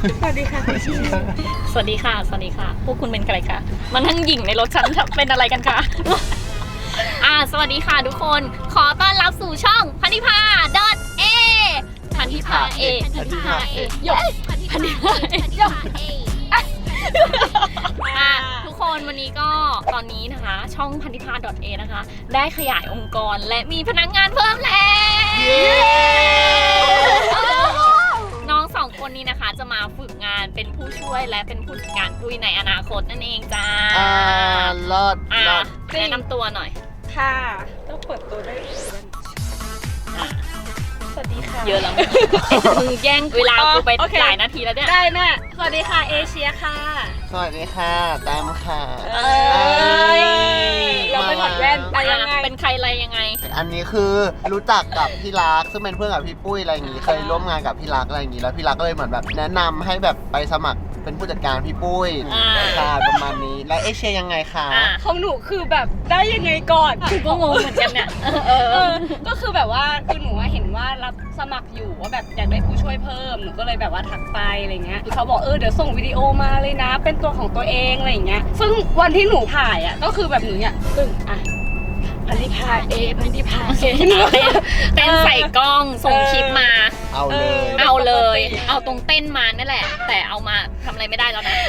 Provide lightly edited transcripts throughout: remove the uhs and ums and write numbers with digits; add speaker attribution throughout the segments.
Speaker 1: สวัสดีค่ะคุณชี
Speaker 2: สวัสดีค่ะสวัสดีค่ะพวกคุณเป็นใครคะมานั่งหยิ่งในรถฉันเป็นอะไรกันคะสวัสดีค่ะทุกคนขอต้อนรับสู่ช่องพันธิพา .a พันธิพา A พันธิพา A ยกพันธิพา A ยกทุกคนวันนี้ก็ตอนนี้นะคะช่องพันธิพา .a นะคะได้ขยายองค์กรและมีพนักงานเพิ่มแล้วน้องสองคนนี้นะคะจะมาฝึกงานเป็นผู้ช่วยและเป็นผู้จัดการปุ้ยในอนาคตนั่นเองจ้า
Speaker 3: เลิศ
Speaker 2: แนะนำตัวหน่อย
Speaker 1: ค่ะต้องเปิดตัวได้สวัสดีค่ะ
Speaker 2: เยอะแล้วมึงแย่งเวลากูไปหลายนาทีแล้วเนี่ย
Speaker 1: ได้แม่สวัสดีค่ะเอเชียค่ะ
Speaker 3: สวัสดีค่ะแต้มค่ะ
Speaker 1: เราไปถอดแว่นไปยังไง
Speaker 2: เป็นใครอะไรยังไง
Speaker 3: อันนี้คือรู้จักกับพี่รักซึ่งเป็นเพื่อนกับพี่ปุ้ยอะไรอย่างงี้เคยร่วมงานกับพี่รักอะไรอย่างงี้แล้วพี่รักก็เลยเหมือนแบบแนะนำให้แบบไปสมัครเป็นผู้จัดการพี่ปุ้ยค่ะประมาณนี้แล้วเอเชียยังไงคะ
Speaker 1: ของหนูคือแบบได้ยังไงก่อน
Speaker 2: กูก็งงเหมือนกันเนี่ย
Speaker 1: ก็คือแบบว่าคือหนูเห็นว่ารับสมัครอยู่ว่าแบบอยากได้ผู้ช่วยเพิ่มหนูก็เลยแบบว่าทักไปอะไรเงี้ยเขาบอกเดี๋ยวส่งวิดีโอมาเลยนะเป็นตัวของตัวเองอะไรอย่างเงี้ยซึ่งวันที่หนูถ่ายก็คือแบบหนูเนี่ยพันธิพา A พันธิพา A
Speaker 2: เต้นใส่กล้องส่งคลิปมา
Speaker 3: เอาเลย
Speaker 2: เอาตรงเต้นมานั่นแหละแต่เอามาทำอะไรไม่ได้แล้วนะ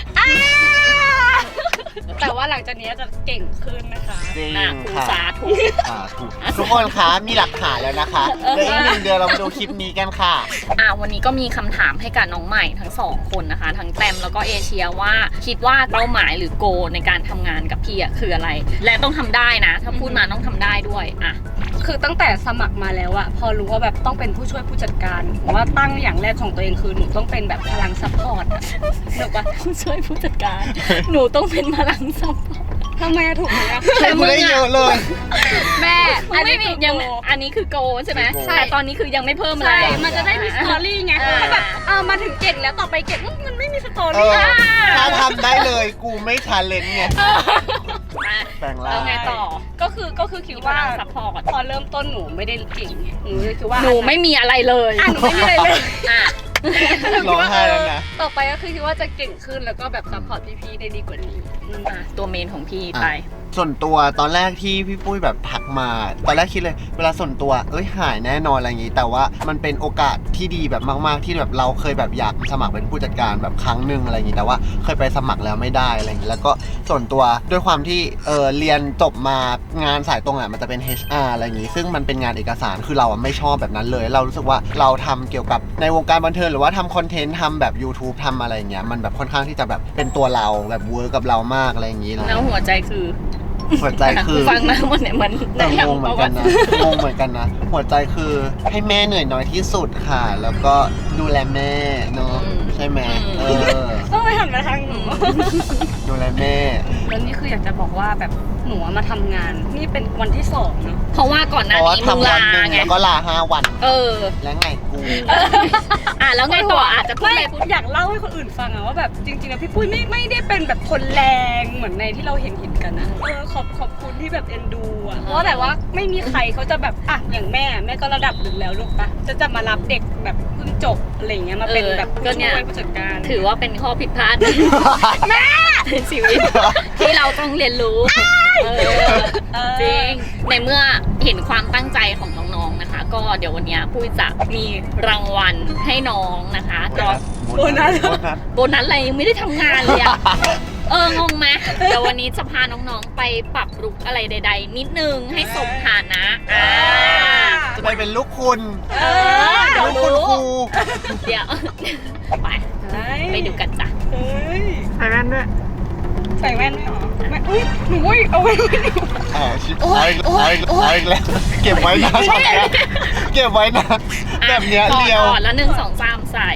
Speaker 1: แต่ว่าหลังจากนี้จะเก่งขึ้นนะคะ
Speaker 3: จริง
Speaker 2: ค่ะสาธุ
Speaker 3: ทุกคนคะมีหลักฐานแล้วนะคะเดี๋ยวอีก1 เดือนเรามาดูคลิปนี้กันค่ะ
Speaker 2: วันนี้ก็มีคำถามให้กับน้องใหม่ทั้ง2คนนะคะทั้งแตมแล้วก็เอเชียว่าคิดว่าเป้าหมายหรือโกในการทำงานกับพี่คืออะไรและต้องทำได้นะถ้าพูดมาต้องทำได้ด้วย
Speaker 1: คือตั้งแต่สมัครมาแล้วพอรู้ว่าแบบต้องเป็นผู้ช่วยผู้จัดการผมว่าตั้งอย่างแรกของตัวเองคือหนูต้องเป็นแบบพลังซัพพอร์ตหนูว่า
Speaker 2: ผู้ช่วยผู้จัดการหนูต้องเป็นพลังซัพพอร์ต
Speaker 1: ทำไมถูกไหม
Speaker 3: แต่มึงได้เยอะเลย
Speaker 1: แม่
Speaker 2: อันนี้คือโกใช่ไหมแต่ตอนนี้คือยังไม่เพิ่มอะไร
Speaker 1: มันจะได้มีสตอรี่ไงเขาแบบมาถึงเก่งแล้วต่อไปเก่งมันไม่มีสตอรี่
Speaker 3: ถ้าทำได้เลยกูไม่ชาเลนจ์ไงแปลงร่าง
Speaker 2: แล้วไงต่อ
Speaker 1: ก็คือคิดว่าพอเริ่มต้นหนูไม่ได้เก่งไงหนูเลยคิดว่า
Speaker 2: หนูไม่มีอะไรเลย
Speaker 1: หนูไม่มีอะไรเลย
Speaker 3: ร้องไห้แล้วนะ
Speaker 1: ต่อไปก็คือคิดว่าจะเก่งขึ้นแล้วก็แบบซัพพอร์ตพี่ๆได้ดีกว่านี้
Speaker 2: ตัวเมนของพี่ไป
Speaker 3: ส่วนตัวตอนแรกที่พี่ปุ้ยแบบทักมาตอนแรกคิดเลยเวลาส่วนตัวหายแน่นอนอะไรอย่างงี้แต่ว่ามันเป็นโอกาสที่ดีแบบมากๆที่แบบเราเคยแบบอยากสมัครเป็นผู้จัดการแบบครั้งหนึ่งอะไรอย่างงี้แต่ว่าเคยไปสมัครแล้วไม่ได้อะไรอย่างงี้แล้วก็ส่วนตัวด้วยความที่เรียนจบมางานสายตรงมันจะเป็น HR อะไรอย่างงี้ซึ่งมันเป็นงานเอกสารคือเราไม่ชอบแบบนั้นเลยเรารู้สึกว่าเราทำเกี่ยวกับในวงการบันเทิงหรือว่าทำคอนเทนต์ทำแบบ YouTube ทำอะไรอย่างเงี้ยมันแบบค่อนข้างที่จะแบบเป็นตัวเราแบบเวิร์กกับเรามากอะไรอย่างงี้
Speaker 2: แล้วหัวใจคือฟังมาหมดเนี่ยมัน
Speaker 3: งงเหมือนกันนะหัวใจคือให้แม่เหนื่อยน้อยที่สุดค่ะแล้วก็ดูแลแม่เนาะใช่ไหม
Speaker 1: ต้องไปหันมาทางหนู
Speaker 3: ดูแลแม่
Speaker 1: แล้วนี่คืออยากจะบอกว่าแบบหนูมาทำงานนี่เป็นวันที่2เนาะ
Speaker 2: เพราะว่าก่อนหน้านี้มึงลาไง
Speaker 3: แล้วก็ลา5 วันแล้วไงกู
Speaker 2: แล้วไงต่ออาจจะพูด
Speaker 1: อยากเล่าให้คนอื่นฟังว่าแบบจริงๆแล้วพี่ปุ้ยไม่ได้เป็นแบบคนแรงเหมือนในที่เราเห็นกันนะขอบคุณที่แบบเอ็นดูเพราะแบบว่าไม่มีใครเขาจะแบบอย่างแม่ก็ระดับหนึ่งแล้วลูกปะจะมารับเด็กแบบเพิ่งจบอะไรเงี้ยมาเป็นแบบผู้ช่วยผู้จัดการ
Speaker 2: ถือว่าเป็นข้อผิดพลาดแม่ในชีวิตที่เราต้องเรียนรู้จริงในเมื่อเห็นความตั้งใจของน้องๆนะคะก็เดี๋ยววันนี้ปุ้ยจะมีรางวัลให้น้องนะคะ
Speaker 1: โบนั
Speaker 2: สอะไรยังไม่ได้ทำงานเลยงงไหมเดี๋ยววันนี้จะพาน้องๆไปปรับลุคอะไรใดๆนิดนึงให้สมฐานะ
Speaker 3: จะไปเป็นลูกคุณ
Speaker 2: เดี๋ยว
Speaker 3: รู้
Speaker 2: เดี๋ยวไปดูกันจ้ะ
Speaker 3: ใส่แว่นด้วย
Speaker 1: ใส่แว่นไม่หรอหนูเอาไว้
Speaker 3: ชิบหายแล้วเก็บไว้นะชอบเก็บไว้นะแบบเนี้ยเรียว
Speaker 2: แล้ว1 2 3ใส่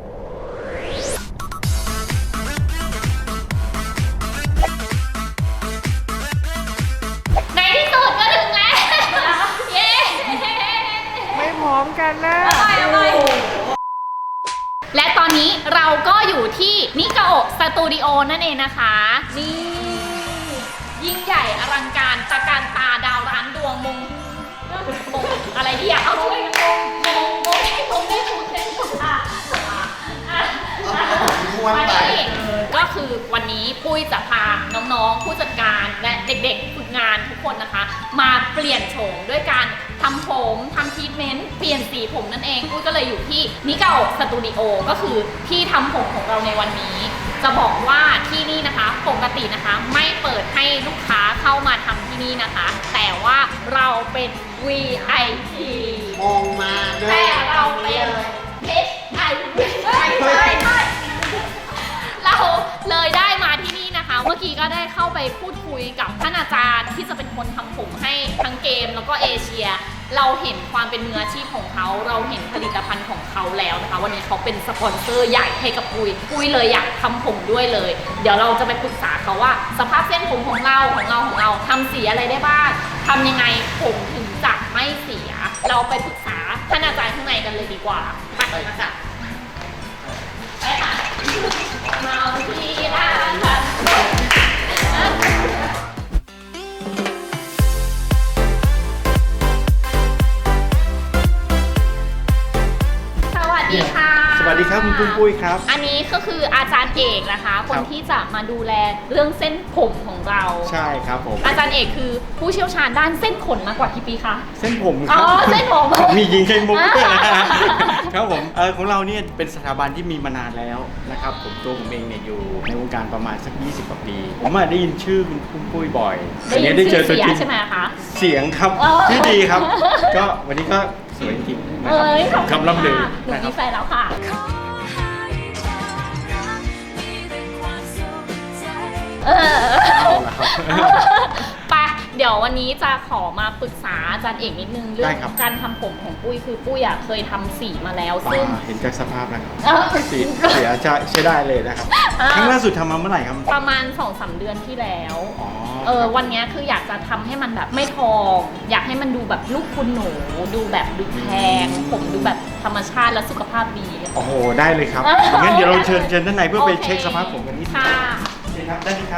Speaker 2: ในที่สุดก็ถึงแล้วเย้
Speaker 3: ไม่พร้อมกันนะ
Speaker 2: และตอนนี้เราก็อยู่ที่นิกาโอะสตูดิโอนั่นเองนะคะนี่ยิ่งใหญ่อลังการตะการตาดาวร้านดวงมงอะไรที่อยากเอาด้วยมงได้ถูกเส้นถูกคือวันนี้ปุ้ยจะพาน้องๆผู้จัดการและเด็กๆฝึกงานทุกคนนะคะมาเปลี่ยนโฉมด้วยการทำผมทำทรีทเมนต์เปลี่ยนสีผมนั่นเองปุ้ยก็เลยอยู่ที่นิกาโอะสตูดิโอก็คือที่ทำผมของเราในวันนี้จะบอกว่าที่นี่นะคะปกตินะคะไม่เปิดให้ลูกค้าเข้ามาทำที่นี่นะคะ แต่ว่าเราเป็น VIP
Speaker 3: มองมาด้วย
Speaker 2: แต่เราเป็น HIV เราเลยได้มาที่นี่นะคะ เมื่อกี้ก็ได้เข้าไปพูดคุยกับท่านอาจารย์ที่จะเป็นคนทำผมให้ทั้งเกมแล้วก็เอเชีย เราเห็นความเป็นมืออาชีพของเขาเราเห็นผลิตภัณฑ์ของเขาแล้วนะคะวันนี้เขาเป็นสปอนเซอร์ใหญ่ให้กับปุ้ยเลยอยากทำผมด้วยเลยเดี๋ยวเราจะไปปรึกษาเขาว่าสภาพเส้นผมของเราทำสีอะไรได้บ้างทำยังไงผมถึงจะไม่เสียเราไปปรึกษาท่านอาจารย์ข้างในกันเลยดีกว่าไปมาจ้ะไปค่ะมาที่ร้านค่ะสวัสดีค่ะ
Speaker 4: สวัสดีครับคุณปุ้ยครับ
Speaker 2: อันนี้ก็คืออาจารย์เอกนะคะคนที่จะมาดูแลเรื่องเส้นผมของเรา
Speaker 4: ใช่ครับผม
Speaker 2: อาจารย์เอกคือผู้เชี่ยวชาญด้านเส้นขนมากกว่ากี่ปีคะ
Speaker 4: เส้นผมครั
Speaker 2: อ๋อเส้นผม
Speaker 4: มียิงไข่มุกด้วยนะครับผมของเราเนี่ยเป็นสถาบันที่มีมานานแล้วนะครับผมเองเนี่ยอยู่ในวงการประมาณสัก20 กว่าปีผมได้ยินชื่อคุณปุ้ยบ่อย
Speaker 2: ได้ยิน
Speaker 4: ได้เจ
Speaker 2: ชื่
Speaker 4: อ
Speaker 2: อ
Speaker 4: ตัว
Speaker 2: เสีย
Speaker 4: จริง
Speaker 2: ใช่ไหมคะ
Speaker 4: เสียงครับ
Speaker 2: อ๋อ
Speaker 4: ชื่อดีครับ ก็วันนี้ก็สวยจริงนะ
Speaker 2: เอ้ยขอบ
Speaker 4: ครับ
Speaker 2: คุณ
Speaker 4: คำล่ำลือ
Speaker 2: ค่ะหนู
Speaker 4: นะค
Speaker 2: มี
Speaker 4: รับ
Speaker 2: แฟนแล้วค่ะเออ
Speaker 4: เอาละครับ
Speaker 2: ไปเดี๋ยววันนี้จะขอมาปรึกษาอาจารย์เอกนิดนึงเรื่อ
Speaker 4: ได้
Speaker 2: ง
Speaker 4: ครับ
Speaker 2: การทำผมของปุ้ยคือปุ้ยอะเคยทำสีมาแล้วซึ่ง
Speaker 4: เห็นจากสภาพแล้วครับ
Speaker 2: เออ
Speaker 4: เสียใช้ได้เลยนะครับ
Speaker 2: อ่า
Speaker 4: ครั้งล่าสุดทำมาเมื่อไหร่ครับ
Speaker 2: ประมาณ 2-3 เดือนที่แล้ว
Speaker 4: อ๋อ
Speaker 2: วันนี้คืออยากจะทำให้มันแบบไม่ทอง อยากให้มันดูแบบลูกคุณหนูดูแบบดูแพงผมดูแบบธรรมชาติและสุขภาพดี
Speaker 4: โอ้โหได้เลยครับ
Speaker 2: อ่ะ
Speaker 4: งั้นเดี๋ยวเราเชิญด้านในเพื่อไป
Speaker 2: โอเค
Speaker 4: เช็คสภาพผมกันนิดนึง
Speaker 2: ค่ะ
Speaker 4: เชิญครับได้เลยครับ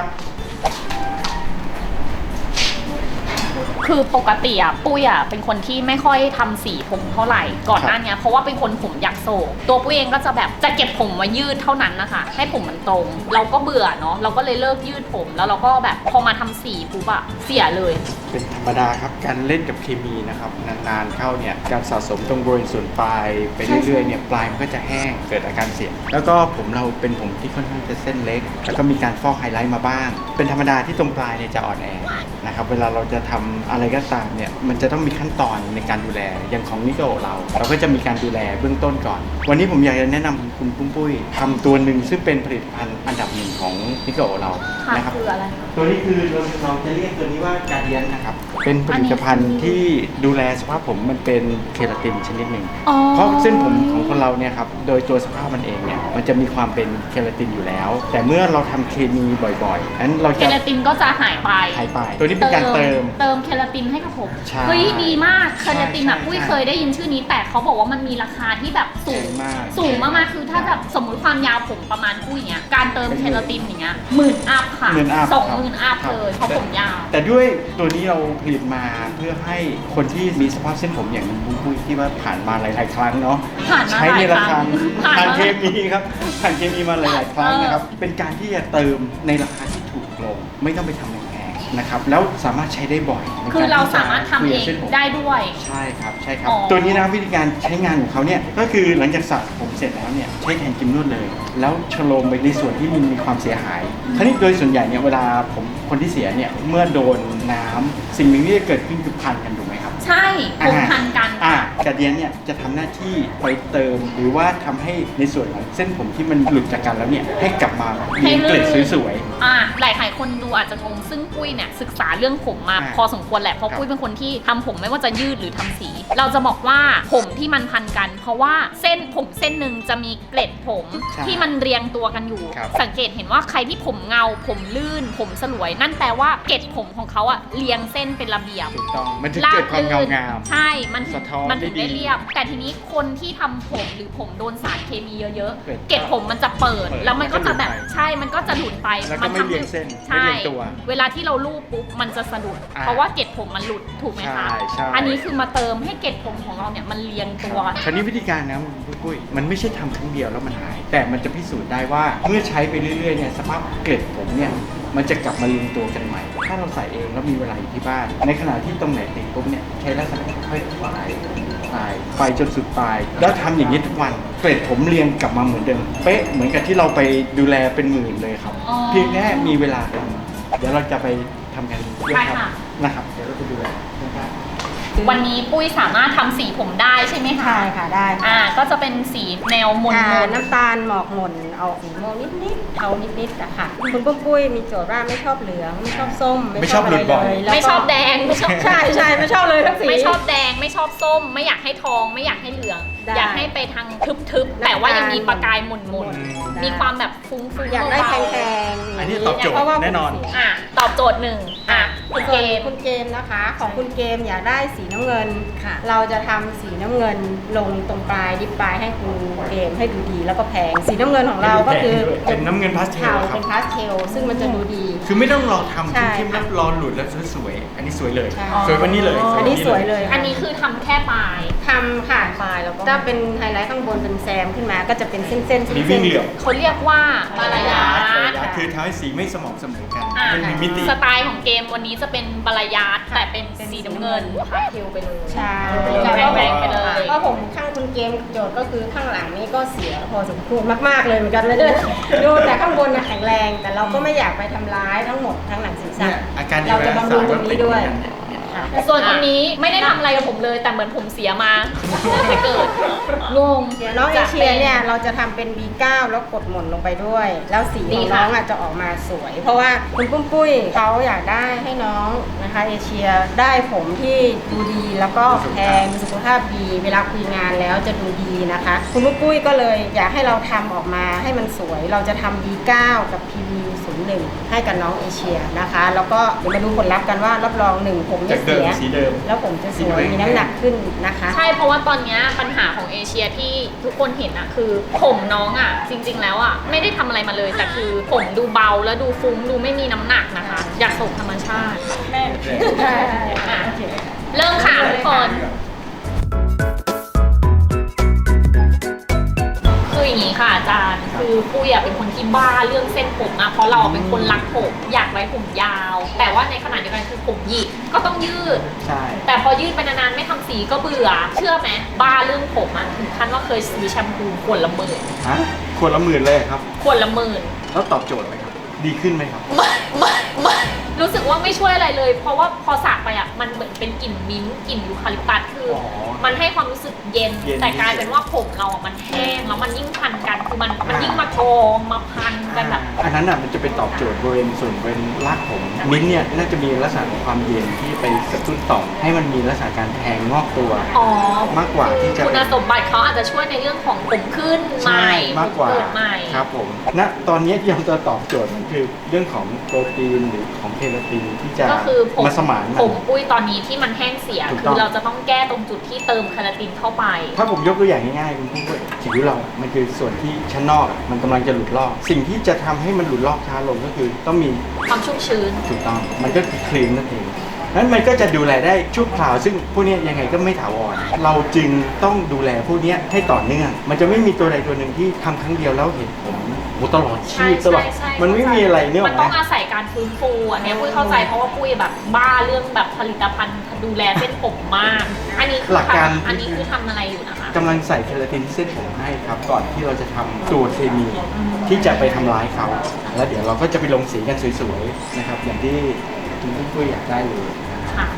Speaker 2: คือปกติอ่ะปุ้ยอ่ะเป็นคนที่ไม่ค่อยทำสีผมเท่าไหร่ก่อนหน้านี้เพราะว่าเป็นคนผมยักโศกตัวปุ้ยเองก็จะแบบจะเก็บผมมายืดเท่านั้นนะคะให้ผมมันตรง เราก็เบื่อเนาะเราก็เลยเลิกยืดผมแล้วเราก็แบบพอมาทำสีปุ๊บอะเสียเลย
Speaker 4: เป็นธรรมดาครับการเล่นกับเคมีนะครับนานๆเข้าเนี่ยการสะสมตรงบริเวณส่วนปลายไปเรื่อยๆเนี่ยปลายมันก็จะแห้งเกิดอาการเสียแล้วก็ผมเราเป็นผมที่ค่อนข้างจะเส้นเล็ก แล้วก็มีการฟอกไฮไลท์มาบ้าง เป็นธรรมดาที่ตรงปลายเนี่ยจะอ่อนแอนะครับเวลาเราจะทำอะไรก็ตามเนี่ยมันจะต้องมีขั้นตอนในการดูแลอย่างของนิโกะเราก็จะมีการดูแลเบื้องต้นก่อน วันนี้ผมอยากจะแนะนำคุณปุ้ยทำตัวหนึ่งซึ่งเป็นผลิตภัณฑ์อันดับหนึ่งของนิโกะเรา
Speaker 2: ค่ะ
Speaker 4: นะครับ
Speaker 2: คืออะไรคะ
Speaker 4: ตัวนี้คือเราจะเรียกตัวนี้ว่าการเดียนนะครับ เป็นผลิตภัณฑ์ที่ดูแลสภาพผมมันเป็นเคราตินชนิดหนึ่ง
Speaker 2: อ๋อ
Speaker 4: เพราะเส้นผมของคนเราเนี่ยครับ โดยตัวสภาพมันเองเนี่ย มันจะมีความเป็นเคราตินอยู่แล้ว แต่เมื่อเราทำเคมีบ่อยๆนั้นเรา
Speaker 2: เค
Speaker 4: จะ
Speaker 2: ราตินก็จะหายไป
Speaker 4: หายไป ตัวนี้เป็นการเติม
Speaker 2: เคราตินให้กับผม
Speaker 4: ใช่
Speaker 2: เฮ้ยดีมากเคราตินอะ
Speaker 4: ใช่
Speaker 2: ปุ้ยเคยได้ยินชื่อนี้แต่เขาบอกว่ามันมีราคาที่แบบสูง
Speaker 4: มาก
Speaker 2: สูงมากๆคือถ้าแบบสมมติความยาวผมประมาณปุ้ยเนี้ยการเติมเคราตินอย่างเงี้ย10,000 อัพค่ะ
Speaker 4: 10,000 up
Speaker 2: 20,000 อัพ
Speaker 4: ครับ
Speaker 2: เลยเพราะผมยาว
Speaker 4: แต่ด้วยตัวนี้เราผลิตมาเพื่อให้คนที่มีสภาพเส้นผมอย่างคุณปุ้ยที่ว่าผ่านมาหลายๆครั้งเนาะ
Speaker 2: ผ่านมา
Speaker 4: ใช้ในราคา
Speaker 2: ผ่าน
Speaker 4: ผ่าน
Speaker 2: มา
Speaker 4: เคมีครับผ่านเคมีมาหลายๆครั้งนะครับ เป็นการที่จะเติมในราคาที่ถูกลงไม่ต้องไปทำแพงๆนะครับแล้วสามารถใช้ได้บ่อยใน
Speaker 2: คือเรา
Speaker 4: ที่จะ
Speaker 2: สามารถทำเอง
Speaker 4: คลียส้นผม
Speaker 2: ได้ด้วย
Speaker 4: ใช่ครับใช่ครับ
Speaker 2: อ๋อ
Speaker 4: ตัวนี้นะวิธีการใช้งานของเขาเนี่ยก็คือหลังจากสระผมเสร็จแล้วเนี่ยใช้แทนครีมนวดเลย แล้วชโลมไปในส่วนที่มันมีความเสียหายคราวนี้โดยส่วนใหญ่เนี่ยเวลาผมคนที่เสียเนี่ยเมื่อโดนน้ำสิ่งหนึ่งที่จะเกิดขึ้นคือพันกันถูกไหมครับ
Speaker 2: ใช่ผมพันกัน
Speaker 4: กระเดียนเนี่ยจะทำหน้าที่ไปเติมหรือว่าทำให้ในส่วนของเส้นผมที่มันหลุดจากกันแล้วเนี่ยให้กลับมามีเกล็ดสวย
Speaker 2: หลายคนดูอาจจะงงซึ่งปุ้ยเนี่ยศึกษาเรื่องผมมา
Speaker 4: อ่า
Speaker 2: พอสมควรแหละเพราะ
Speaker 4: ครับ
Speaker 2: ปุ้ยเป็นคนที่ทำผมไม่ว่าจะยืดหรือทำสี เราจะบอกว่าผมที่มันพันกัน เพราะว่าเส้นผมเส้นหนึ่งจะมีเกล็ดผม
Speaker 4: ใช่
Speaker 2: ที่มันเรียงตัวกันอยู่
Speaker 4: ครับ
Speaker 2: สังเกตเห็นว่าใครที่ผมเงา ผมลื่น ผมสลวยนั่นแปลว่าเกล็ดผมของเขาอะเรียงเส้นเป็นระเบียบ
Speaker 4: ถูกต้องมันจะเกิดความเงางาม
Speaker 2: ใช่ มันถึง
Speaker 4: สะท้อน
Speaker 2: มันถึง
Speaker 4: ได้ดี
Speaker 2: ได้เรียบ แต่ทีนี้คนที่ทำผมหรือผมโดนสารเคมีเยอะ
Speaker 4: เกิด
Speaker 2: ๆ เกล็ดผมมันจะเปิด แล้วมันก็จะแบบ
Speaker 4: มันก็หลุดไป
Speaker 2: ใช่ มันก็จะหลุดไป
Speaker 4: แล้วก็ไม่
Speaker 2: ทำ
Speaker 4: เรียงเส้น
Speaker 2: ใช่
Speaker 4: ไม่เรียงตัว
Speaker 2: เวลาที่เราลูบปุ๊บ มันจะสะดุด
Speaker 4: อ่า
Speaker 2: เพราะว่าเกล็ดผมมันหลุด ถูกไหมคะ
Speaker 4: ใช่
Speaker 2: อันนี้คือมาเติมให้เกล็ดผมของเราเนี่ยมันเรียงตัว
Speaker 4: คราวนี้วิธีการนะคุณปุ้ยมันไม่ใช่ทำครั้งเดียวแล้วมันหาย แต่มันจะพิสูจน์ได้ว่าเมื่อใช้ไปเรื่อยๆเนี่ยสภาพเกล็ดผมเนี่ยมันจะกลับมาเรียงตัวกันใหม่ ถ้าเราใส่เองแล้วมีเวลาอยู่ที่บ้าน ในขณะที่ตรงไหนติดปุ๊บเนี่ยใช้ลักษณะค่อยๆไปจนสุดปลาย แล้วทำอย่างนี้ทุกวันเกล็ดผมเรียงกลับมาเหมือนเดิมเป๊ะเหมือนกับที่เราไปดูแลเป็นหมื่นเลยครับ
Speaker 2: อ๋อ
Speaker 4: เพียงแค่มีเวลาเป็นเดี๋ยวเราจะไปทำกันเย
Speaker 2: ใช่
Speaker 4: อะครับ
Speaker 2: ค่ะ
Speaker 4: นะครับเดี๋ยวเราไปดูแลนะครับ
Speaker 2: วันนี้ปุ้ยสามารถทำสีผมได้ใช่ไหมคะ
Speaker 5: ใช่ค่ะได้ค่ะ
Speaker 2: ก็จะเป็นสีแนวมน
Speaker 5: น้ำตาลหมอกหม่นเอาสีม่วงนิดๆเทานิดๆอะค่ะคุณปุ้ยมีโจทย์ว่าไม่ชอบเหลืองไม่ชอบส้ม
Speaker 4: ไม่ชอบหลุดบ่อย
Speaker 5: แล้วก็
Speaker 2: ไม่ชอบแดง ไม่ชอบ
Speaker 5: ใช่ใช่ไม่ชอบเลยทั้งสี
Speaker 2: ไม่ชอบแดงไม่ชอบส้ม ไม่อยากให้ทอง ไม่อยากให้เหลือง
Speaker 5: ได้
Speaker 2: อยากให้ไปทางทึบๆ แต่ว่ายังมีประกายหม่น
Speaker 5: ได้
Speaker 2: ๆ มีความแบบฟุ้งๆ
Speaker 5: อยากได้
Speaker 2: เบา
Speaker 5: แพ
Speaker 2: ๆ
Speaker 5: งๆ
Speaker 4: อันนี้ตอบโจทย์
Speaker 5: เพราะว่า
Speaker 4: แน่นอน
Speaker 5: ผมสี
Speaker 2: ตอบโจทย์หนึ่งคุณเกม
Speaker 5: คุณเกมนะคะ ของคุณเกมอยากได้สีน้ำเงิน
Speaker 1: ค่ะ
Speaker 5: เราจะทำสีน้ำเงินลงตรงปลายดิปปลายให้คุณเกมให้ดูดีแล้วก็แพงสีน้ำเงินของเราก็คือ
Speaker 4: เป็นน้ำเงินพาสเทล
Speaker 5: เทา
Speaker 4: ครับ
Speaker 5: เป็นพาสเทลซึ่งมันจะดูดี
Speaker 4: คือไม่ต้องรอทำ
Speaker 5: ใช่
Speaker 4: เข้มๆแล้วรอหลุดแล้วสวยๆอันนี้สวยเลย
Speaker 5: ใช่
Speaker 4: สวยกวันนี้เลย
Speaker 5: อันนี้สวยเลยค่ะ
Speaker 2: อันนี้คือทำแค่ปลาย
Speaker 5: ทำค่ะ
Speaker 1: ปลายแล้วก็
Speaker 5: ถ้าเป็นไฮไลท์ข้างบนเป็นแซมขึ้นมาก็จะเป็นเส้นๆเส้น
Speaker 4: มีวิ่งเหลี่ยม
Speaker 2: เขาเรียกว่าบาลายาท
Speaker 4: คือทำให้สีไม่สม่ำเสมอกัน
Speaker 2: อ่ะ
Speaker 4: มันมีมิติ
Speaker 2: สไตล์ของเกมวันนี้จะเป็นบาลายาทแต่เป็นสีน้ำเงินพาสเทลไปเลย
Speaker 5: ใช่
Speaker 2: แรงๆไปเลย
Speaker 5: ก็ผมข้างคุณเกมโจทย์ก็คือข้างหลังนี่ก็เสียพอสมควรมากๆเลยเหมือนกันเลยดูแต่ข้างบนน่ะแข็งแรง แต่เราก็ไม่อยากไปทำร้ายทั้งหมดทั้งหนังศีรษะ
Speaker 4: เนี่ยอาการ
Speaker 5: เราจะบำรุงตรงนี้ด้วย
Speaker 4: เนี่ย
Speaker 5: ค่ะ
Speaker 2: ส่วนคนนี้ไม่ได้ทำอะไรกับผมเลย แต่เหมือนผมเสียมาตั้งแต่เกิดงง
Speaker 5: เดี๋ยวน้องเอเชียเนี่ยเราจะทำเป็น B9 แล้วกดหม่นลงไปด้วย แล้วสีของน้องอ่ะจะออกมาสวย เพราะว่าคุณปุ้ยเขาอยากได้ให้น้องนะคะเอเชียได้ผมที่ดูดีแล้วก็แพงมีสุขภาพดี เวลาคุยงานแล้วจะดูดีนะคะ คุณปุ้ยก็เลยอยากให้เราทำออกมาให้มันสวย เราจะทำ B9 กับ PV01 ให้กับน้องเอเชียนะคะ แล้วก็เดี๋ยวมาดูผลลัพธ์กันว่ารับรองหนึ่งผมไม่
Speaker 4: จากเดิ
Speaker 5: เสี
Speaker 4: ม
Speaker 5: ย
Speaker 4: สีเดิม
Speaker 5: แล้วผมจะสวยมีน้ำหนักขึ้นนะคะ
Speaker 2: ใช่เพราะว่าตอนเนี้ยปัญหาของเอเชียที่ทุกคนเห็นอะคือผมน้องอะจริง ๆ แล้วอะไม่ได้ทำอะไรมาเลย แต่คือผมดูเบาแล้วดูฟุ้งดูไม่มีน้ำหนักนะคะ อยากส่งธรรมชาติ
Speaker 5: แม่
Speaker 2: อ่ะ
Speaker 5: โอเค
Speaker 2: เริ่มค่ะทุกคนคืออย่างนี้ค่ะอาจารย์คือปุ้ยอะเป็นคนที่บ้าเรื่องเส้นผมอะเพราะเราเป็นคนรักผมอยากไว้ผมยาว แต่ว่าในขณะเดียวกันคือผมหยิกก็ต้องยืด
Speaker 4: ใช่
Speaker 2: แต่พอยืดไปนานๆไม่ทำสีก็เบื่อ เชื่อไหมบ้าเรื่องผมอะถึงขั้นว่าเคยซื้อแชมพูขวดละหมื่น
Speaker 4: ฮะขวดละหมื่นเลยครับ
Speaker 2: ขวดละหมื่น
Speaker 4: แล้วตอบโจทย์ไหมครับ ดีขึ้นไหมครับ
Speaker 2: ไม่รู้สึกว่าไม่ช่วยอะไรเลย เพราะว่าพอสระไปอะมันเหมือนเป็นกลิ่นมิ้นท์กลิ่นยูคาลิปตัสคืออ
Speaker 4: อ
Speaker 2: มันให้ความรู้สึกเย็น
Speaker 4: เย็น
Speaker 2: แต่กลายเป็นว่าผมเราอะมันแห้งแล้วมันยิ่งพันกันคือมันยิ่งมาทองมาพันกันแบบ
Speaker 4: อันนั้นอ่ะมันจะเป็นตอบโจทย์บริเวณส่วนบริเวณรากผม มิ้นท์เนี่ยน่าจะมีลักษณะของความเย็นที่ไปกระตุ้นต่อมให้มันมีลักษณะการแทงงอกตัว
Speaker 2: อ๋อ
Speaker 4: มากกว่าที่จะ
Speaker 2: คุณสมบัติเขาอาจจะช่วยในเรื่องของผมขึ้นใหม่
Speaker 4: มากกว่า
Speaker 2: ผมเกิดใหม่
Speaker 4: ครับผมณตอนนี้ที่ยังจะตอบโจทย์มันคือเรื่องของโปรตีนหรือของเคราตินที่จะ
Speaker 2: ก็คือผม
Speaker 4: มาสมานมัน
Speaker 2: ผมปุ้ยตอนนี้ที่มันแห้งเสีย
Speaker 4: ถูก
Speaker 2: คื
Speaker 4: ต้อง
Speaker 2: อเราจะต้องแก้ตรงจุดที่เติมคาราตินเข้าไป
Speaker 4: ถ้าผมยกตัวอย่างง่ายๆคุณผู้ชมผิวเรา มันคือส่วนที่ชั้นนอกมันกำลังจะหลุดลอก สิ่งที่จะทำให้มันหลุดลอกช้าลงก็คือต้องมี
Speaker 2: ความชุ่มชื้น
Speaker 4: ถูกต้อง มันก็คือครีมนั่นเองนั้นมันก็จะดูแลได้ชั่วคราว ซึ่งพวกเนี้ยยังไงก็ไม่ถาวร เราจึงต้องดูแลพวกเนี้ยให้ต่อเนื่อง มันจะไม่มีตัวใดตัวหนึ่งที่ทำครั้งเดียวแล้วเห็นผมตลอดชีพตลอด มันไม่มีอะไรเนี่ยหร
Speaker 2: มั
Speaker 4: อน ก
Speaker 2: ต้อง
Speaker 4: ไหม
Speaker 2: อาศัยการฟื้นฟูอันเนี้ยปุ้ยเข้าใจเพราะว่าปุ้ยแบบบ้าเรื่องแบบผลิตภัณฑ์ดูแลเส้นผมมาก อันนี้คือ
Speaker 4: หลักการ
Speaker 2: อันนี้คือทำอะไรอยู่นะคะ
Speaker 4: กำลังใส่เคราตินที่เส้นผมให้ครับ ก่อนที่เราจะทำตัวเคมีที่จะไปทำร้ายเขา แล้วเดี๋ยวเราก็จะไปลงสีกันสวยๆนะครับ อย่างที่คุณปุ้ยอยากได้เลยนะครับ
Speaker 2: ค่ะ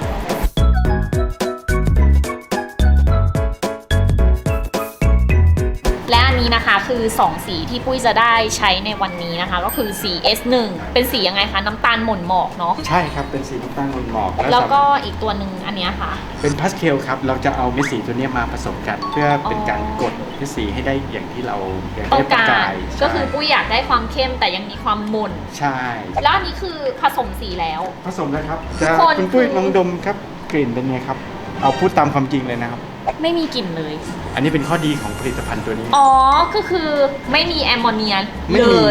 Speaker 2: และอันนี้นะคะคือ 2 สีที่ปุ้ยจะได้ใช้ในวันนี้นะคะ ก็คือสี S1 เป็นสียังไงคะน้ำตาลหม่นหมอกเนาะ
Speaker 4: ใช่ครับเป็นสีน้ำตาลหมอก
Speaker 2: แล้วก็อีกตัวหนึ่งอันเนี้ยค่ะ
Speaker 4: เป็นพาสเทลครับเราจะเอาเม็ดสีตัวเนี้ยมาผสมกัน เพื่อเป็นการกดเม็ดสีให้ได้อย่างที่เราอยาก
Speaker 2: ต้อ
Speaker 4: ได้
Speaker 2: ง
Speaker 4: ประ
Speaker 2: การ
Speaker 4: กาย
Speaker 2: ก็คือปุ้ยอยากได้ความเข้มแต่ยังมีความหม่น
Speaker 4: ใช่
Speaker 2: แล้วอันนี้คือผสมสีแล้ว
Speaker 4: ผสมแล้วครับจะ
Speaker 2: คน
Speaker 4: คุณปุ้ย
Speaker 2: คือ
Speaker 4: ลองดมครับกลิ่นเป็นไงครับเอาพูดตามความจริงเลยนะครับ
Speaker 2: ไม่มีกลิ่นเลย
Speaker 4: อันนี้เป็นข้อดีของผลิตภัณฑ์ตัวนี้
Speaker 2: อ๋อ ก็คือไม่มีแอมโมเนีย
Speaker 4: ไม่
Speaker 2: เล
Speaker 4: มี
Speaker 2: ย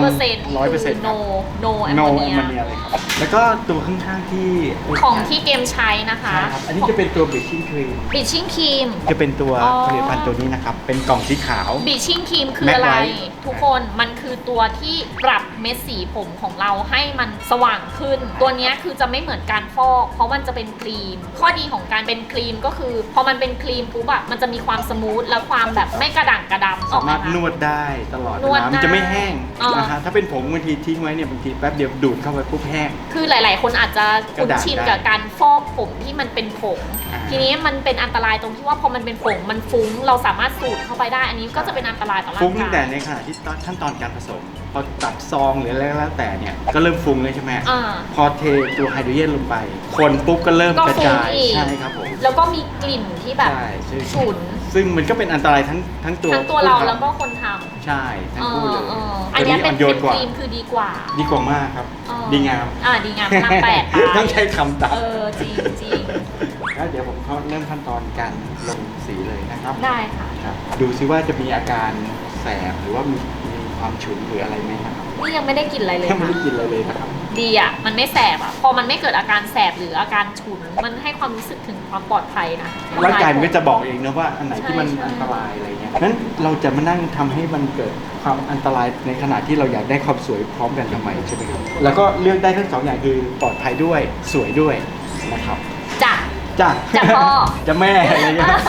Speaker 2: 100%
Speaker 4: 100%
Speaker 2: no แอม
Speaker 4: no
Speaker 2: โมเนีย
Speaker 4: แอมโมเนียเลยครับแล้วก็ตัวข้างๆที่
Speaker 2: ของที่เกมใช้นะคะ
Speaker 4: ใช่ครับอันนี้จะเป็นตัวบลีชิ่งครีม
Speaker 2: บีชิ่งครีม
Speaker 4: จะเป็นตัว
Speaker 2: อ๋อ
Speaker 4: ผลิตภัณฑ์ตัวนี้นะครับเป็นกล่องสีขาว
Speaker 2: บีชิ่งครีมคือ
Speaker 4: Mac
Speaker 2: อะไร
Speaker 4: White
Speaker 2: ทุกคนมันคือตัวที่ปรับเม็ดสีผมของเราให้มันสว่างขึ้น ตัวเนี้ยคือจะไม่เหมือนการฟอก เพราะมันจะเป็นครีม ข้อดีของการเป็นครีมก็คือพอมันเป็นครีมปุ๊บอะมันจะมีความสมูทและความแบบไม่กระด่างกระดำอ
Speaker 4: สา
Speaker 2: อกไห
Speaker 4: มารถ
Speaker 2: คะ
Speaker 4: นวดได้ตลอด
Speaker 2: นวด
Speaker 4: เวลามันจะไม่แห้ง
Speaker 2: อ๋อ
Speaker 4: นะฮะถ้าเป็นผมบางทีทิ้งไว้เนี่ยบางทีแป๊บเดียวดูดเข้าไปปุ๊บแห้ง
Speaker 2: คือหลาย ๆ คนอาจจะคุ้นชิน
Speaker 4: กระดาษได้
Speaker 2: กับการฟอกผมที่มันเป็นผง
Speaker 4: อ่า
Speaker 2: ทีนี้มันเป็นอันตรายตรงที่ว่าพอมันเป็นผงมันฟุ้ง เราสามารถสูดเข้าไปได้ อันนี้ก็จะเป็นอันตรายต่อร่าง
Speaker 4: ฟุ้งตั้งแต่
Speaker 2: กาย
Speaker 4: ในขณะที่ขั้นตอนการผสม พอตัดซองหรืออะไรก็แล้วแต่เนี่ยก็เริ่มฟุ้งเลยใช่ไหม
Speaker 2: อ่า
Speaker 4: พอเทตัวไฮโดรเจนลงไป คนปุ๊บก็เริ่ม
Speaker 2: ก็
Speaker 4: กระ
Speaker 2: ฟุ้ง
Speaker 4: จาย
Speaker 2: อีก
Speaker 4: ใช่ครับผม
Speaker 2: แล้วก็มีกลิ่นที่แบบ
Speaker 4: ใช่ซึ่ง
Speaker 2: ฉุน
Speaker 4: ซึ่งมันก็เป็นอันตรายทั้งตัว
Speaker 2: ทั้งตัวเรา
Speaker 4: ผู้ทำ
Speaker 2: แล้วก็คนทำ
Speaker 4: ใช่ทั้งคู่เลย
Speaker 2: อันเนี้ยเป็น
Speaker 4: โยนกว่า
Speaker 2: ครีมคือดีกว่า
Speaker 4: ดีกว่ามากครับ ดีงาม
Speaker 2: ดีงามพลังแปดไป
Speaker 4: ต้องใช้คำตัด
Speaker 2: จริงจริง
Speaker 4: แล้วเดี๋ยวผมเขาเริ่มขั้นตอนการลงสีเลยนะครับ
Speaker 2: ได้ค่ะ
Speaker 4: ครับดูซิว่าจะมีอาการแสบหรือว่ามีความฉุนหรืออะไรไหมนะครับ
Speaker 2: นี่ยังไม่ได้กลิ่นอะไรเลย
Speaker 4: ยังไม่
Speaker 2: ค่ะ
Speaker 4: ได้กินอะไรเลยนะครับ
Speaker 2: ดีอ่ะ มันไม่แสบอ่ะ พอมันไม่เกิดอาการแสบหรืออาการฉุน มันให้ความรู้สึกถึงความปลอดภัยนะ
Speaker 4: ร่างกายมันก็จะบอกเองนะว่าอันไหนที่มัน
Speaker 2: ใช่
Speaker 4: อันตรายอะไรเงี้ยนั้นเราจะมานั่งทำให้มันเกิดความอันตรายในขณะที่เราอยากได้ความสวยพร้อมกันทำไมใช่ไหมครับแล้วก็เลือกได้ทั้งสองอย่างคือปลอดภัยด้วยสวยด้วยนะครับ
Speaker 2: จ้ะ
Speaker 4: จ้ะ
Speaker 2: จ้ะพ่อ
Speaker 4: จะแม่อะไรเงี้ย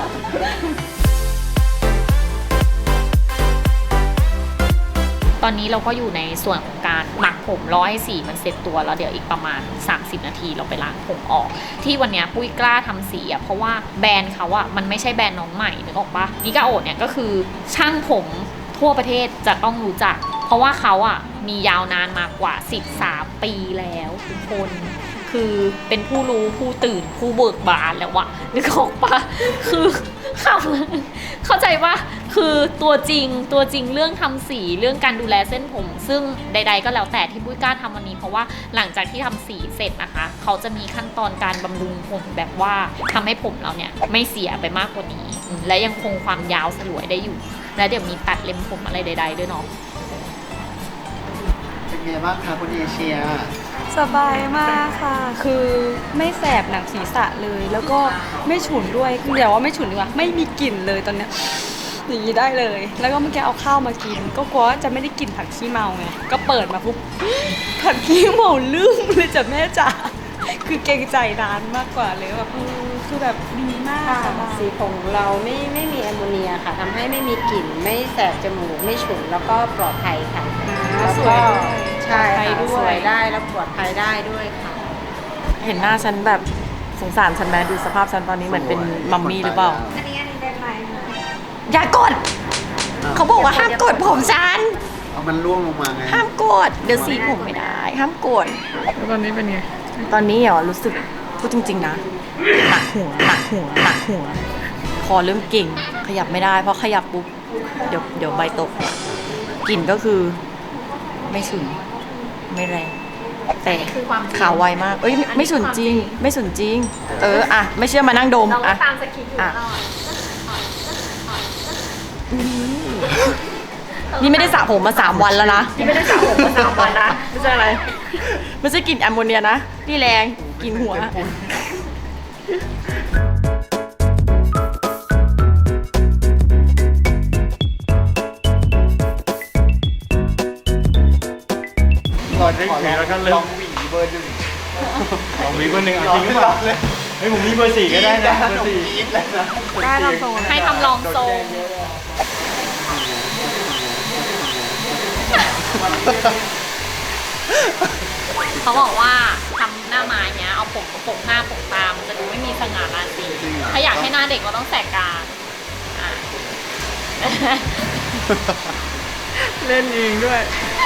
Speaker 2: ตอนนี้เราก็อยู่ในส่วนของการหมักผมรอให้สีมันเสร็จตัวแล้วเดี๋ยวอีกประมาณ 30 นาทีเราไปล้างผมออก ที่วันเนี้ยปุ้ยกล้าทำสีอ่ะเพราะว่าแบรนด์เขาอ่ะมันไม่ใช่แบรนด์น้องใหม่นึกออกปะนิกาโอเนี่ยก็คือช่างผมทั่วประเทศจะต้องรู้จัก เพราะว่าเขาอ่ะมียาวนานมากว่า13 ปีแล้วทุกคนคือเป็นผู้รู้ผู้ตื่นผู้เบิกบานแล้ววะนึกออกปะคือเข้าใจว่าคือตัวจริงเรื่องทำสีเรื่องการดูแลเส้นผม ซึ่งใด ๆ ก็แล้วแต่ที่ปุ้ยกล้าทำวันนี้เพราะว่าหลังจากที่ทำสีเสร็จนะคะเขาจะมีขั้นตอนการบำรุงผมแบบว่าทำให้ผมเราเนี่ยไม่เสียไปมากกว่านี้และยังคงความยาวสลวยได้อยู่ และเดี๋ยวมีตัดเล็มผมอะไรใด ๆ ด้วยเนาะ
Speaker 3: เป็นไงบ้างคะคุณเอเชีย
Speaker 1: สบายมากค่ะ คือไม่แสบหนังศีรษะเลย แล้วก็ไม่ฉุนด้วยเดี๋ยวว่าไม่ฉุนดีกว่า ไม่มีกลิ่นเลยตอนเนี้ยอย่างนี้ได้เลย แล้วก็เมื่อกี้เอาข้าวมากิน ก็กลัวว่าจะไม่ได้กลิ่นผักขี้เมาไง ก็เปิดมาปุ๊บ ผักขี้เมาลืมเลยจ้ะแม่จ๋า คือเกรงใจร้านมากกว่าเลยแบบคือแบบดีมาก
Speaker 5: ค่ะ
Speaker 1: สบาย
Speaker 5: สีผมของเราไม่มีแอมโมเนียค่ะทำให้ไม่มีกลิ่นไม่แสบจมูกไม่ฉุนแล้วก็ปลอดภัยค่ะแล้ว
Speaker 1: สวย
Speaker 5: ก็
Speaker 1: ด้วย
Speaker 5: ใช่
Speaker 1: ปลอดภัย
Speaker 5: ค่ะ
Speaker 1: ด้วย
Speaker 5: สวยได้แล้วปลอดภัยได้ด้วยค่ะ
Speaker 6: เห็นหน้าฉันแบบสงสารฉันไหมดูสภาพฉันตอนนี้เหมือนเป็นมัมมี่หรือเปล่า อย่ากด เขาบอกว่าห้ามกดผมฉัน
Speaker 3: เอามันล่วงลงมาไง
Speaker 6: ห้ามกด เดี๋ยวสีผมไม่ได้ ห้ามกด
Speaker 7: แล้วตอนนี้เป็นไง
Speaker 6: ตอนนี้เหรอรู้สึกพูดจริง ๆ นะหนักหัวคอเริ่มเก่ง ขยับไม่ได้เพราะขยับปุ๊บเดี๋ยวใบตกกลิ่นก็คือไม่ฉุนไม่แรงแต่
Speaker 2: คือความจริง
Speaker 6: ขาวไวมากเอ้ยไม่ฉุนจริง ไม่ฉุนจริง อะไม่เชื่อมานั่งดม
Speaker 2: เราก็
Speaker 6: อะ
Speaker 2: ตามสคริปต์อยู่
Speaker 6: อ่ะ
Speaker 2: ตลอด
Speaker 6: นี่ไม่ได้สระผมมา3 วันแล้วนะนี่ไม่ได้สระผมมา3 วันนะไม่ใช่อะไรไม่ใช่กลิ่นแอมโมเนียนะนี่แรงกลิ่นหัว
Speaker 4: ก่อนได้หวีแล้วก็เริ่
Speaker 3: ล
Speaker 4: ม
Speaker 3: องหวีเบอร์หนึ่ง
Speaker 4: ลองหวีเบอร์หนึ่งเอาจริงหรือเปล่าเฮ้ยผมมีเบอร์4ก็ได้นะเบอร์4
Speaker 3: อีกแล้วนะ
Speaker 6: ได้ทำทรง
Speaker 2: ให้ทำลองทรงเขาบอกว่าทำหน้าไม้เนี้ยเอาผมมาโปะหน้าโปะตามันจะดูไม่มีสง่าราศีถ้าอยากให้หน้าเด็กเราต้องแสกกลางอ่ะ
Speaker 4: เล่นเองด้วย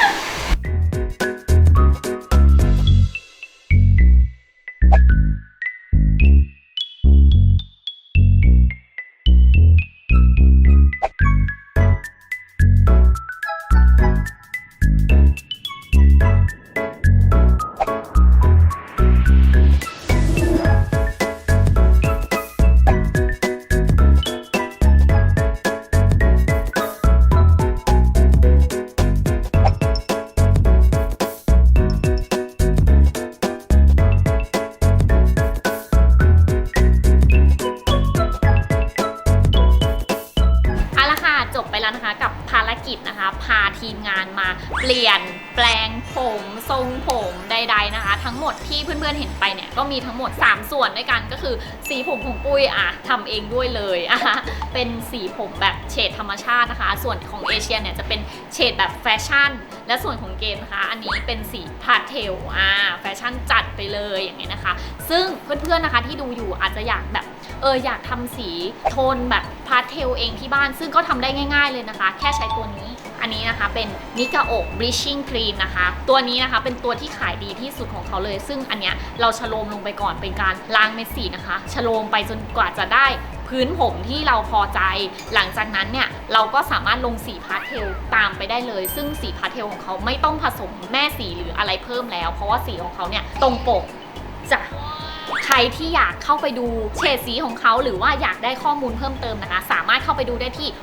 Speaker 2: เอาละค่ะจบไปแล้วนะคะกับภารกิจนะคะ พาทีมงานมาเปลี่ยนแปลงผมทรงผมใดๆนะคะ ทั้งหมดที่เพื่อนๆเห็นไปเนี่ยก็มีทั้งหมด 3 ส่วนด้วยกันก็คือสีผมของปุ้ยทำเองด้วยเลยเป็นสีผมแบบเฉดธรรมชาตินะคะ ส่วนของเอเชียเนี่ยจะเป็นเฉดแบบแฟชั่นและส่วนของเกมนะคะอันนี้เป็นสีพาสเทลแฟชั่นจัดไปเลยอย่างนี้นะคะ ซึ่งเพื่อนๆนะคะที่ดูอยู่อาจจะอยากแบบอยากทำสีโทนแบบพาสเทลเองที่บ้านซึ่งก็ทำได้ง่ายๆเลยนะคะ แค่ใช้ตัวนี้อันนี้นะคะเป็นนิกาโอะบลิชชิ่งครีมนะคะตัวนี้นะคะเป็นตัวที่ขายดีที่สุดของเขาเลยซึ่งอันเนี้ยเราชโลมลงไปก่อนเป็นการล้างเม็ดสีนะคะชโลมไปจนกว่าจะได้พื้นผมที่เราพอใจหลังจากนั้นเนี่ยเราก็สามารถลงสีพาสเทลตามไปได้เลยซึ่งสีพาสเทลของเขาไม่ต้องผสมแม่สีหรืออะไรเพิ่มแล้วเพราะว่าสีของเขาเนี่ยตรงปกจ้ะใครที่อยากเข้าไปดูเฉดสีของเขาหรือว่าอยากได้ข้อมูลเพิ่มเติมนะคะสามารถเข้าไปดูได้ที่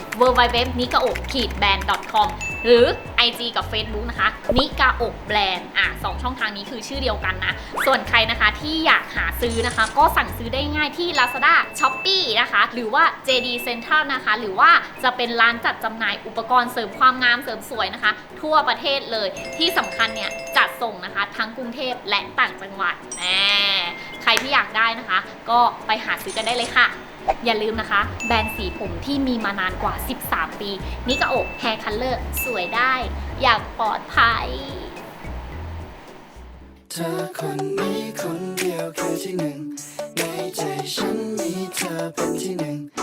Speaker 2: www.nikao-brand.com หรือ IG กับ Facebook นะคะ Nikao Brand 2 ช่องทางนี้คือชื่อเดียวกันนะส่วนใครนะคะที่อยากหาซื้อนะคะก็สั่งซื้อได้ง่ายที่ Lazada Shopee นะคะหรือว่า JD Central นะคะหรือว่าจะเป็นร้านจัดจำหน่ายอุปกรณ์เสริมความงามเสริมสวยนะคะทั่วประเทศเลยที่สำคัญเนี่ยจัดส่งนะคะทั้งกรุงเทพและต่างจังหวัดใครที่อยากได้นะคะก็ไปหาซื้อกันได้เลยค่ะอย่าลืมนะคะแบรนด์สีผมที่มีมานานกว่า13 ปีนิกาโอะแฮร์คัลเลอร์สวยได้อย่างปลอดภัย
Speaker 7: เธอคนนี้คนเดียวคือที่หนึ่งในใจฉันมีเธอเป็นที่หนึ่ง